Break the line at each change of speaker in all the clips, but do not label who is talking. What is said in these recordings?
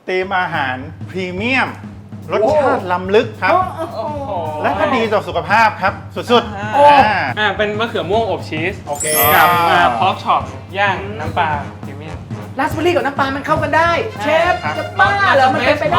ธีมอาหารพรีเมียมรสชาติล้ำลึกครับ และก็ดีต่อสุขภาพครับสุดๆ
เป็นมะเขือม่วงอบชีส
โอเค
กับพอกช็อปย่างน้ำปลาพรีเมียม
ราสเบอร์รี่กับน้ำปลามันเข้ากันได้ เชฟ
ครับ
จะบ้าเหรอมันเป็นไปได้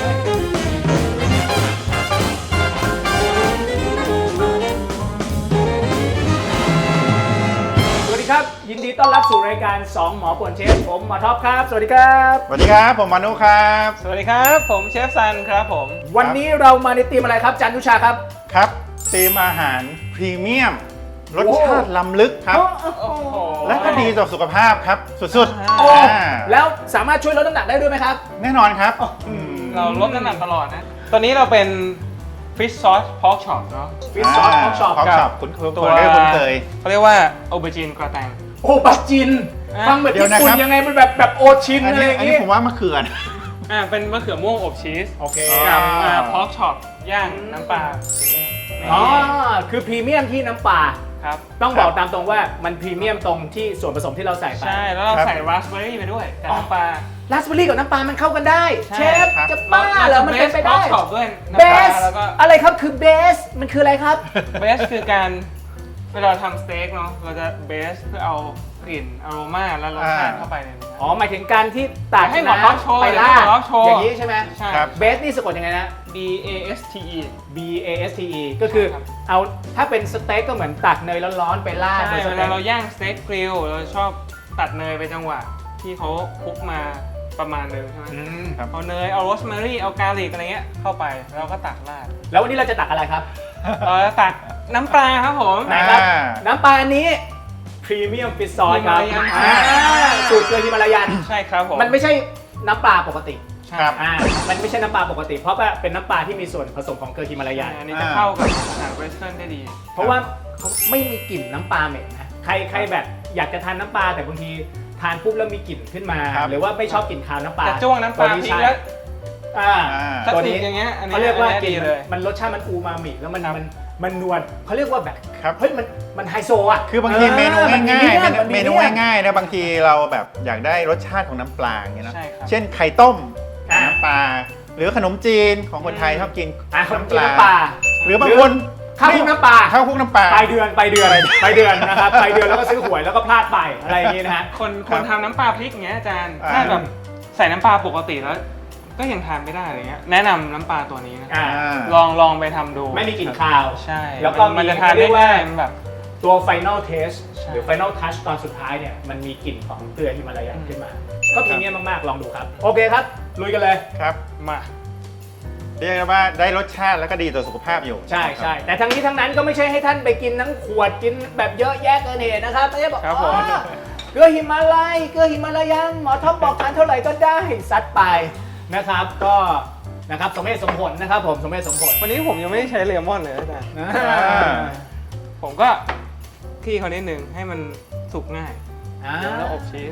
สวัสดีครับ ยินดีต้อนรับสู่รายการ 2 หมอป่วนเชฟผมหมอท็อปครับ สวัสดีครับ
สวัสดีครับผมมานุครับ
สวัสดีครับผมเชฟซันครับผม
วันนี้เรามาในธีมอะไรครับจันทุชาครับ
ครับธีมอาหารพรีเมียมรสชาติล้ำลึกครับ และก็ดีต่อสุขภาพครับสุด
โอ้
ๆ
แล้วสามารถช่วยลดน้ำหนักได้ด้วยไหมครับ
แน่นอนครับ
เราลดน้ำหนักตลอดนะ ตอนนี้เราเป็นฟิชซอสพอกช็อปเนาะ
ฟิชซอสท็อปช็อป
พอกช็อปคุ้นเคย
เขาเรียกว่าโอเบอร์จีนกระแตง
โอ้ปัจจิน ฟังแบบ
เดี๋ยว
ญี่
นะ
ปุ่น
ครับ
ยังไงมันแบบโอชิน
อัน
อะไร
นี้
อย่าง
อัน
งี้
นี้ผมว่ามะเขือนะ
เป็นมะเขือม่วงอบชีส
โอเค
กับ
อ่า
พอกช็อปย่างน้ำปลาพรีเมียม
อ๋อคือพรีเมียมที่น้ำปลา
ครับ
ต้องบอกตามตรงว่ามันพรีเมียมตรงที่ส่วนผสมที่เราใส่ไป
ใช่แล้วเราใส่ราสเบอร์รี่ไปด้วยกับน้ำปลา
ราสเบอร์รี่กับน้ำปลามันเข้ากันได้
ใช่
เชฟจะบ้าเหรอมันเป็นไปได้
พอกช็อปด้วย
เบ
น้ำปลา
ส
แล้วก็
อะไรครับคือเบสมันคืออะไรครับ
เบสคือการเวลาทำสเต็กเนาะเราจะเบสเพื่อเอากลิ่นอโรมาและรสชาติเข้าไปในนี้
อ๋อหมายถึงการที่ตัด
ให้หมอท็อปโชว์
ไปล่า
ให้หมอท็อปโชว์
อย่างนี้ใช่ไหม
ใช่
ครับ
เบสนี่สะกดยังไงนะ
B A S T E
B A S T E ก็คือ
ใช่ครับ
เอาถ้าเป็นสเต็กก็เหมือนตักเนยร้อนๆไปราด
ใช่
บนส
เว
เต็
ลาก เราย่างสเต็กกริลเราชอบตัดเนยไปจังหวะที่เขาคลุกมาประมาณนึงใช่ไหม
อืม
ครับ
เอาเนยเอาโรสแมรี่เอากาลิกอะไรเงี้ยเข้าไปแล้วเราก็ตักราด
แล้ววันนี้เราจะตักอะไรครับ
เราจะตักน้ำปลาครับผม
ไหนครับ
อ่า
น้ำปลาอันนี้พรีเมียมฟิชซอสครับ
ฮิมาลายัน
สูตรเกลือฮิมาลายัน
ใช่ครับผม
มันไม่ใช่น้ำปลาปกติ
ใช่
ครับ
มันไม่ใช่น้ำปลาปกติ เพราะว่าเป็นน้ำปลาที่มีส่วนผสมของเกลือฮิมาลายัน
อันนี้จะเข้ากับอาหารเวสเทิร์นได้ดี
เพราะว่าเขาไม่มีกลิ่นน้ำปลาเหม็นนะใครแบบอยากจะทานน้ำปลาแต่บางทีทานปุ๊บแล้วมีกลิ่นขึ้นมา
ครับ
หรือว่าไม่ชอบกลิ่นคาวน้ำปลา
แต่จ้วงน้ำปลา
ตัว
พริก
ใช่
แล้ว
อ่า
ถ้า
ตัว
ถู
นี้
กอย่างเงี้ยอันนี้
เขาเรียกว่า
อัน
ก
นี้
ลิ่น
ดีเลย
มันรสชาติมันอูมามิแล้วมัน
ครับ
มันนวลเขาเรียกว่าแบบ
ครับ
เฮ้ยมันไฮโซอ่ะ
คือบางทีเมนูง่ายๆ
น
เมนูง่ายๆนะบางทีเราแบบอยากได้รสชาติของน้ำปลาอย่างเงี้ยเนอะ
ใช่ครับ
เช่นไข่ต้มน้ำปลาหรือขนมจีนของคนไทยชอบกิน
ขนมจีนน้ำปลา
หรือบางคน
ข้าวคลุกน้ำปลา
ข้าวคลุกน้ำปลา
ไปเดือนนะครับไปเดือนแล้วก็ซื้อหวยแล้วก็พลาดไปอะไรอย่างงี้นะฮะ
คนทำน้ำปลาพริกอย่างเงี้ยอาจารย์
อ่า
ถ้าแบบใส่น้ำปลาปกติแล้ว ก็ยังทานไม่ได้อะไรเงี้ยแนะนำน้ำปลาตัวนี้นะ
อ่า
ลองไปทำดู
ไม่มีกลิ่นคาว
ใช่
แล้วก็
มัน
มี
จะทาน
เรี
ได้
ยกว่า
ง่ายมันแบบ
ตัว Final Taste
ใช่
หรือ Final Touch ตอนสุดท้ายเนี่ยมันมีกลิ่นของเกลือฮิมาลายันขึ้นมา ก็พรีเมียมมากๆ ลองดูครับ โอเคครับ ลุยกันเลย
ครับ
มา
เรียกได้ว่าได้รสชาติแล้วก็ดีต่อสุขภาพอยู่
ใช่แต่ทั้งนี้ทั้งนั้นก็ไม่ใช่ให้ท่านไปกินทั้งขวดกินแบบเยอะแยะเกินเหตุนะครับไม่ใช่บอก
ครับผม
อ๋อเกลือฮิมาลัยเกลือฮิมาลายันหมอท็อปบอกทานเท่าไหร่ก็ได้ซัดไปนะครับก็นะครับสมเหตุสมผลนะครับผมสมเหตุสมผล
วันนี้ผมยังไม่ได้ใช้เลมอนเลยอาจารย์
อ่า
ผมก็ที่เขานิดนึงให้มันสุกง่าย
อ่า
แล้วอบชีส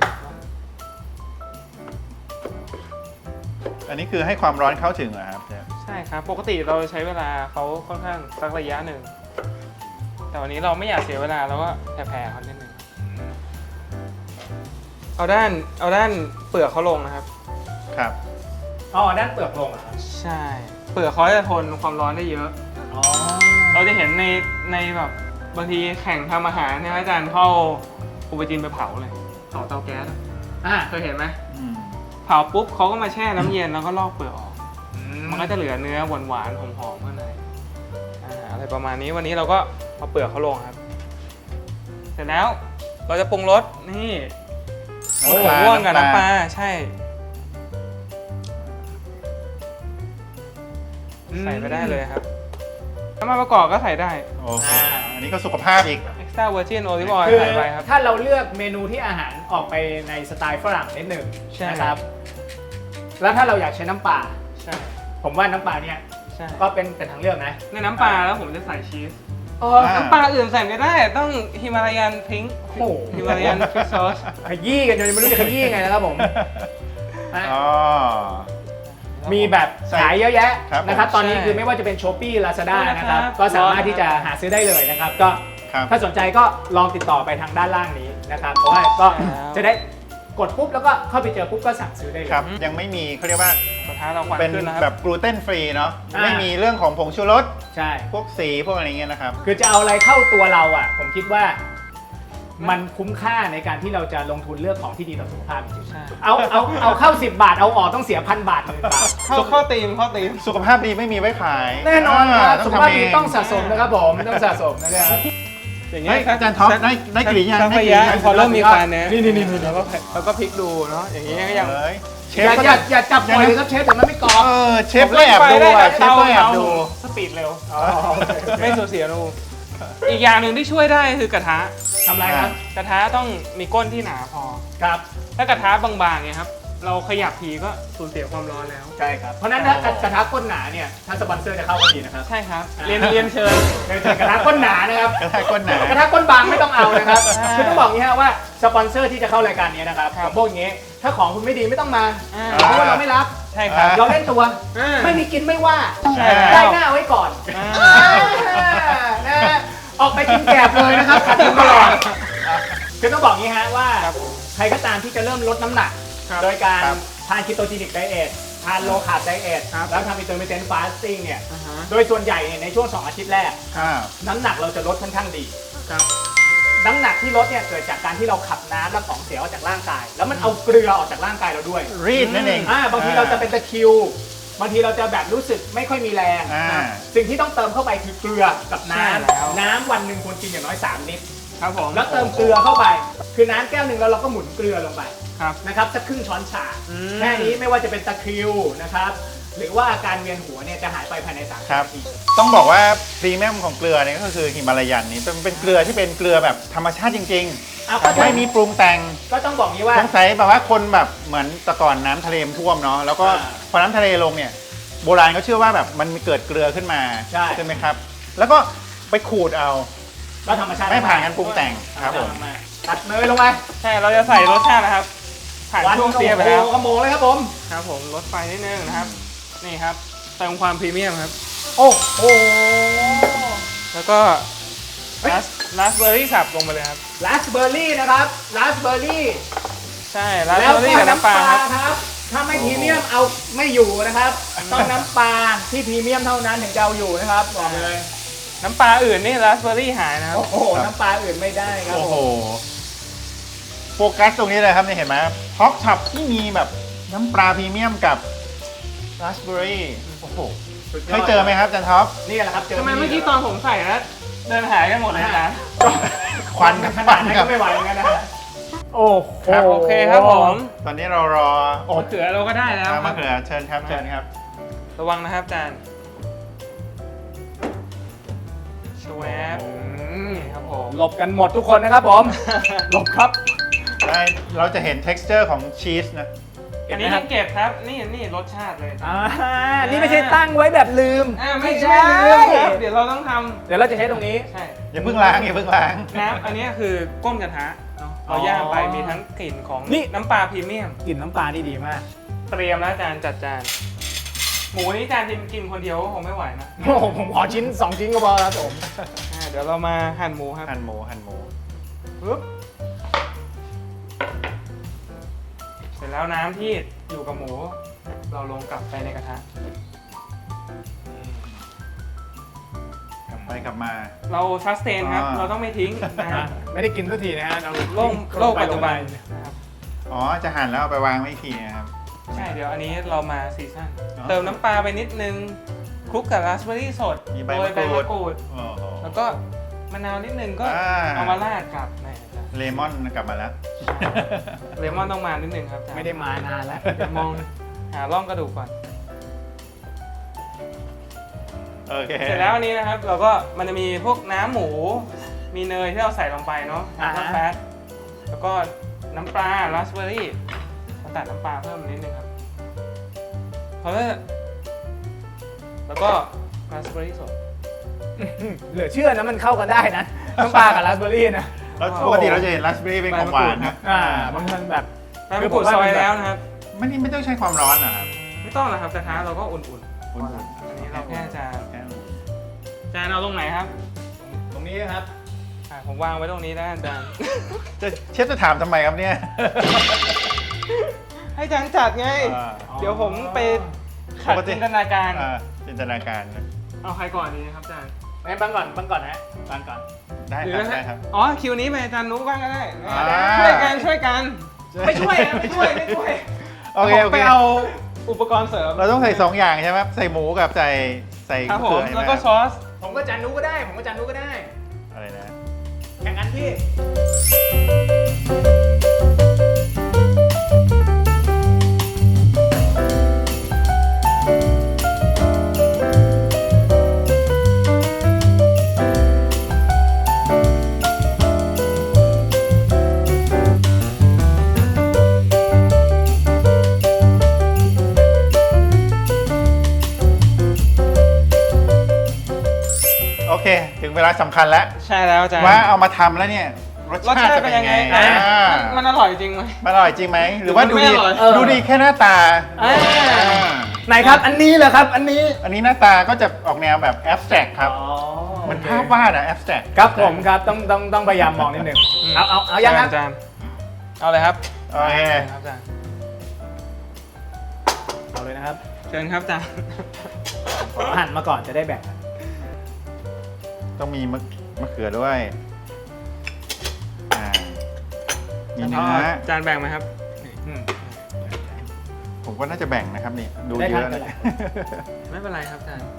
อันนี้คือให้ความร้อนเข้าถึงเหรอครับเชฟ
ใช่ครับ ปกติเราใช้เวลาเขาค่อนข้างสักระยะหนึ่ง แต่วันนี้เราไม่อยากเสียเวลาเราก็แผ่ๆเขานิดนึงเอาด้านเปลือกเขาลงนะครับ
ครับ
อ๋อด้านเปลือกลงเหรอครับ
ใช่ เปลือกเขาจะทนความร้อนได้เยอะ
อ๋อ
เราจะเห็นในแบบบางทีแข่งทำอาหารเนี่ยอาจารย์เข้าอุปจีนไปเผาเลยเผาเตาแก๊สอะ
อ่า
เคยเห็นไหม
อืม
เผาปุ๊บเขาก็มาแช่น้ำเย็นแล้วก็ลอกเปลือกออก มันก็จะเหลือเนื้อหวานๆหอมๆข้างในอะไรประมาณนี้วันนี้เราก็เอาเปลือกเขาลงครับ เสร็จแล้วเราจะปรุงรสนี่หัวม่วงกับน้ำปลาใช่ใส่ไปได้เลยครับน้ำมันประกอบก็ใส่ได้
โอ้โหอันนี้ก็สุขภาพอีก
extra virgin olive oil
คือ
ใส่ไปครับ
ถ้าเราเลือกเมนูที่อาหารออกไปในสไตล์ฝรั่งนิดหนึ่ง
ใช่
นะครับ แล้วถ้าเราอยากใช้น้ำปลา
ใช่
ผมว่าน้ำปลาเนี่ย
ใช่
ก็เป็นทางเลือกนะ
ในน้ำปลาแล้วผมจะใส่ชีส
อ๋อ
น้ำปลาอื่นใส่ไม่ได้ต้องฮิมาลายันพิงค์
โอ้โห
ฮิมาลายันฟิชซอส
ขยี้กันจนไม่รู้จะขยี้ยังไงนะครับผม
อ๋อ
มีแบบขายเยอะแยะ
ครับ
นะครับ ตอนนี้
ใช่
คือไม่ว่าจะเป็น Shopee Lazada
ใช่
นะครับ
ครับ
ก็สามารถที่จะหาซื้อได้เลยนะครับ ก็
ครับ
ถ้าสนใจก็ลองติดต่อไปทางด้านล่างนี้นะครับ เพราะว่าก็
ใช่แล้ว
จะได้กดปุ๊บแล้วก็เข้าไปเจอปุ๊บก็สั่งซื้อได้เลย
ครับ ยังไม่มีเขาเรียกว่าก
ระทะเราควัน
เป็น
ขึ้นนะค
แบ
รับบ
กลูเตนฟรีเนาะ
อ่า
ไม่มีเรื่องของผงชูรส
ใช่
พวกสีพวกอะไรเงี้ยนะครับ
คือจะเอาอะไรเข้าตัวเราอ่ะ ผมคิดว่ามันคุ้มค่าในการที่เราจะลงทุนเลือกของที่ดีต่อสุขภาพจริง
ใช่
ๆเอาเข้า 10 บาทเอาออกต้องเสีย1,000 บาท10,000 บาท
เข้าตีมเข้าตีม
สุขภาพดีไม่มีไว้ขาย
แน่นอนครับ
ต้
สุ
อง
ขภาพ
ทำเอ
ดี
ง
ต้องสะสมนะครับผมต้องสะสมนะครับ
อย่าง
เฮ้ยอาจารย์ท็อปได้กลิ่นยัง
สัก
ได้
ระ
กลิ่น
ยะ
ยัง
พอเริ่มมีควันเนี่ย
นี่
เราก็พลิกดูเนาะอย่างนี้ก็ยัง
เอ้ยเช
อ
ฟ
ย่า
ก็
อย่าจับปล่อยเลยครับเชฟเดี๋ยวมันไม่กรอบ
เชฟก็แอบดูอ่ะเชฟก็แอบดู
สปีดเร็วไม่สูญเสียนูอีกอย่างหนึ่งที่ช่วยได้คือกระทะ
ทำไรครับ
กระทะต้องมีก้นที่หนาพอ
ครับ
ถ้ากระทะบางๆเนี่ยครับเราขยับทีก็สูญเสียความร้อนแล้ว
ใช่ครับเพราะฉะนั้นถ้ากระทะก้นหนาเนี่ยถ้าสปอนเซอร์จะเข้าก็ดีนะครับ
ใช่ครับเรียนเชิญ
กระทะก้นหนานะครับ
กระทะก้นหนาก
ระทะก้นบางไม่ต้องเอานะครับ
อ่า
คือต้องบอกอย่างนี้ฮะว่าสปอนเซอร์ที่จะเข้ารายการนี้นะครับ
ครับ
ผมบอกอย่างนี้ถ้าของคุณไม่ดีไม่ต้องมา
อ่า
เพราะว่าเราไม่รับ
ใช่ครับ
เราเล่นตัว
อ่า
ไม่มีกินไม่ว่า
ใช่
ได้หน้าไว้ก่อน
อ่า
นะฮะออกไปกินแกบเลยนะครับขัดทุนตลอดคือต้องบอกอย่างนี้ฮะว่า
ครับผม
ใครก็ตามที่จะเริ่มลดน้ำหนัก
ครับ
โดยการ
ครับ
ทานคีโตจีนิกไดเอททานโลคาร์บไดเอท
ครับ
แล้วทำอินเตอร์มิเทนต์ฟาสติ้งเนี่ย
อ่าฮะ
โดยส่วนใหญ่เนี่ยในช่วง 2 อาทิตย์แรก
อ่า
น้ำหนักเราจะลดค่อนข้างดี
ครับ
น้ำหนักที่ลดเนี่ยเกิดจากการที่เราขับน้ำและของเสียออกจากร่างกาย แล้วมันเอาเกลือออกจากร่างกายเราด้วย
รีดนั่นเอง
บางทีเราจะเป็นตะคริว บางทีเราจะแบบรู้สึกไม่ค่อยมีแรง
อ่า
สิ่งที่ต้องเติมเข้าไปคือเกลือกับน้
ใช่แล้ว
ำน้ำวันหนึ่งควรกินอย่างน้อย3 ลิตร
ครับผม
แล้วเติมเกลือเข้าไป คือน้ำแก้วหนึ่งแล้วเราก็หมุนเกลือลงไป
ครับ
นะครับสักครึ่งช้อนชา
อืม
แค่นี้ไม่ว่าจะเป็นตะคริวนะครับหรือว่าอาการเวียนหัวเนี่ยจะหายไปภายใน3
ครับ
นาที
ต้องบอกว่าพรีเมียมของเกลือเนี่ยก็คือหิมาลายันนี่เป็นเกลือที่เป็นเกลือแบบธรรมชาติจริง
เอาก็
ๆ ไม่มีปรุงแต่ง
ก็ต้องบอกงี้ว่า
สงสัยแบบว่าคนแบบเหมือนแต่ก่อนน้ำทะเลมันท่วมเนาะแล้วก็
อ่า
พอน้ำทะเลลงเนี่ยโบราณเขาเชื่อว่าแบบมันมีเกิดเกลือขึ้นมา
ใช่
ไหมครับ แล้วก็ไปขูดเอา
ก็ธรรมชาติ
ไม่ผ่านการปรุงแต่งครับผม
ตัดเนยลงไป
ใช่เราจะใส่รสชาตินะครับ ผ่านช่วงเสียไปแล้ว
ขโมงเลยครับผม
ครับผมลดไฟนิดนึงนะครับ นี่ครับเติมความพรีเมียมครับ
โอ้โห
แล้วก็
เฮ้ย
ราสเบอร์รี่สับลงไปเลยครับ
ราสเบอร์รี่นะครับราสเบอร์รี่
ใช่ราส
แล้ว
เบอร์
ก็
รี่กับน้ำปลาครับ
ครับ ถ้าไม่พรีเมียมเอาไม่อยู่นะครับ ต้องน้ำปลาที่พรีเมียมเท่านั้นถึงจะเอาอยู่นะครับบอกเลย
น้ำปลาอื่นนี่ราสเบอร์รี่หายนะครับ
โอ้โหน้ำปลาอื่นไม่ได้ครับ
โอ้
ผ
โห
ม
โฟกัสตรงนี้เลยครับเนี่ยเห็นไหมฮอกช็อปที่มีแบบน้ำปลาพรีเมียมกับราสเบอร์รี่โอ้โห
สุดย
เคยเจอไหมครับอาจันท็อป
นี่แหละครับเจอ
ทำไมเมื่อกี้ตอนผมใส่แล้วเดินหายกันหมดเลยนะ
ควัน
ขนาดนั้นก็ไม่ไหวเหมือนกันนะโอ้โห
ครับโอเคครับผม
ตอนนี้เรารอ
มะเขือเราก็ได้แล้วค
มะ
รับ
เขือเชิญครับเชิญครับ
ระวังนะครับอาจารย์ชวบนี่ครับผม
หลบกันหมดทุกคนนะครับผมหลบครับ
ได้เราจะเห็น texture ของชีสนะ
อันนี้ไม่เก็บครับ นี่รสชาติเลย
นี่ไม่ใช่ตั้งไว้แบบลืม
ไม่ใช่ลืมครับเดี๋ยวเราต้องท
เดี๋ยวเราจะใช้ตรงนี้
ำใช่
อย่าเพิ่งล้างอย่าเพิ่งล้าง
น้ำอันนี้คือก้มกระทะเนาะเราย่างไปมีทั้งกลิ่นของ
นี่
น้ำปลาพรีเมียม
กลิ่นน้ำปลานี่ดีมาก
เตรียมแล้วจานจัดจานหมูนี่จานกินคนเดียวก็คงไม่ไหวนะ
โอ้โหผมขอชิ้น 2 ชิ้นก็พอครับผม
เดี๋ยวเรามาหั่นหมูครับ
หั่นหมูหั่นหมู
ปึ๊บเสร็จแล้วน้ำที่อยู่กับหมู เราลงกลับไปในกระทะ
กลับไปกลับมา
เราซัสเตนครับ
อ่า
เราต้องไม่ทิ้งนะฮะ
ไม่ได้กินสักทีนะฮะเรา
โลกปัจจุบันนะครับ
อ๋อจะหั่นแล้วเอาไปวางไว้อีกทีนะครับ
ใช่เดี๋ยวอันนี้เรามาซีซั่น
อ๋อ
เติมน้ำปลาไปนิดนึงคลุกกับราสเบอร์รี่สด
มีใบ
โรยใบ
มะกรูด
มะกรูด
โอ้โห
แล้วก็มะนาวนิดนึงก็
อ่า
เอามาราดกับไหนจ๊ะ
เลมอนกลับมาแล้ว
เลมอนต้องมานิดนึงครับจ๊ะ
ไม่ได้มานานแล้ว
เดี๋ยวมองหาร่องกระดูกก่อน
โอเค
เสร็จแล้วอันนี้นะครับเราก็มันจะมีพวกน้ำหมู มีเนยที่เราใส่ลงไปเนาะน้ำแฟตแล้วก็น้ำปลาราสเบอร์รี่เราตัดน้ำปลาเพิ่มนิดนึงครับเพราะว่าแล้วก็ราสเบอร์รี่สด
เหลือเชื่อนะมันเข้ากันได้นะน้ำปลากับราสเบอร์รี่นะ
แล้วปกติเราจะเห็นราสเบอร์รี่เป็นของหวานนะ
บางคนแบบ
ใบมะกรูดซอยแล้วนะครับ
ไม่ต้องใช้ความร้อนนะครับ
ไม่ต้องนะครับกระทะเราก็อุ่น
อุ่น
ๆอันนี้เราแค่จะ
แค่นั้น
จานเอาตรงไหนครับ
ตรงนี้นะครับ
ผมวางไว้ตรงนี้ได้จาน
เชฟจะถามทำไมครับเนี่ย
ให้อาจารย์จัดไง เดี๋ยวผมไปขัดจินตนาการ
จินตนาการ
เอาใครก่อนดีครับอาจารย์
งั้นบังก่อนนะบังก่อน
ได้
หรื
ค
อ
รับได้ครับ
อ๋อคิวนี้ไปอาจารย์นุ๊กบ้างก็ได้
อ่า
ช่วยกันช่วยกัน
ไม่ช่วยนะไม่ช่วย
โอเค
ผมไปเอาอุปกรณ์เสริม
เราต้องใส่2อย่างใช่ไหมใส่หมูกับใส่
ครับผม
เขือใช่ไห
แล้วก็ซอส
ผมก็จานนู้ก็ได้ผมก็จานนู้ก็ได้
อะไรนะ
แข่งกันพี่
โอเค ถึงเวลาสำคัญแล้ว
ใช่แล้วอาจารย์
ว่าเอามาทำแล้วเนี่ยรส
รส
ชาติ
ชาติ
จะ
เป็
เป็น น
ยั
ยัง ง
ไง
ไง
มันอร่อยจริงไหม
มันอร่อยจริงไหมหรือว่า
หรื
ดู
อไม่
ดี
อร่อย
ดูดีแค่หน้าตา
อ่า
ไหนครับอันนี้เหรอครับอันนี้
อันนี้หน้าตาก็จะออกแนวแบบแอบสแตรกครับ
อ๋อ
มันภาพวาดอะแอบสแตรก
ครับผมครับต้องพยายามมองนิดนึงเอายังครับ
อาจารย์เอาเลยครับ
โอเค
ครับอาจารย์
เอาเลยนะครับ
เชิญครับอาจารย์
หั่นมาก่อนจะได้แบ่งกัน
ต้องมีมะเขือด้วยมีเนื้อ
อาจารย์แบ่งไหมครับ
ผมก็น่าจะแบ่งนะครับนี่ดู
ได้
เย
ครับ
อะ
ได้
เลย
ไม่เป็นไรครับอาจารย์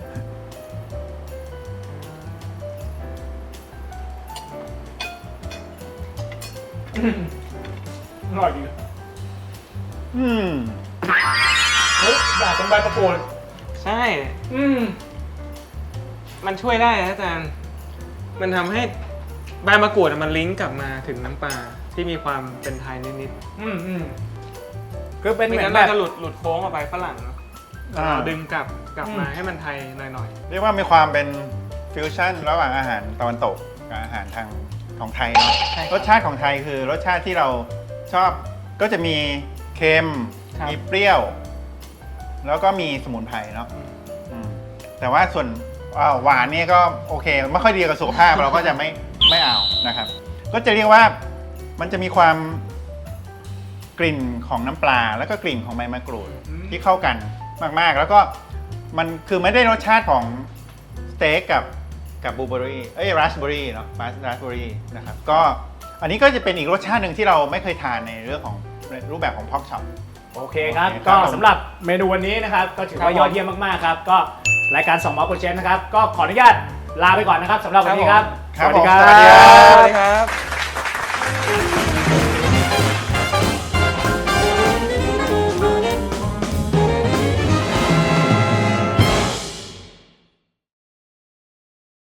อร่อยดี
อืม
เฮ้ยอยากเป็นใบประกวด
ใช่
ม
มันช่วยได้นะอาจารย์ มันทำให้ใบมะกรูดมันลิงก์กลับมาถึงน้ำปลาที่มีความเป็นไทยนิด
คือ
ๆ
เป็น
ไม่
เหมือ
งั้
น
น
แบ
เรา
บ
จะหลุดโค้งออกไปฝรั่งเนาะเราดึงกลับมาให้มันไทยหน่อย
เรียกว่ามีความเป็นฟิวชั่นระหว่างอาหารตะวันตกกับอาหารทางของไทยเนาะ
ใช่ครับ
รสชาติของไทยคือรสชาติที่เราชอบก็จะมีเค็ม
ครับ
มีเปรี้ยว แล้วก็มีสมุนไพรเนาะอืมแต่ว่าส่วนหวานเนี่ยก็โอเคไม่ค่อยดีกับสุขภาพ เราก็จะไม่เอานะครับ ก็จะเรียกว่ามันจะมีความกลิ่นของน้ำปลา แล้วก็กลิ่นของใบมะกรูดที่เข้ากันมากๆ แล้วก็มันคือไม่ได้รสชาติของสเต็กกับบลูเบอร์รี่ราสเบอร์รี่เนาะราสเบอร์รี่นะครับก็อันนี้ก็จะเป็นอีกรสชาติหนึ่งที่เราไม่เคยทานในเรื่องของรูปแบบของพ็อกช็อป
โอเคครับ
โอเคครับ
ก็สำหรับเมนูวันนี้นะครับ ก็ถือว่ายอดเยี่ยมมากๆครับ ก็รายการ2 หมอโปรเชนนะครับ ก็ขออนุญาตลาไปก่อนนะครับสำหรับวันนี้ครับ
ครับผม
สวัสดีครั
สวัสดีครับ
บ
ๆสวัสดีครับ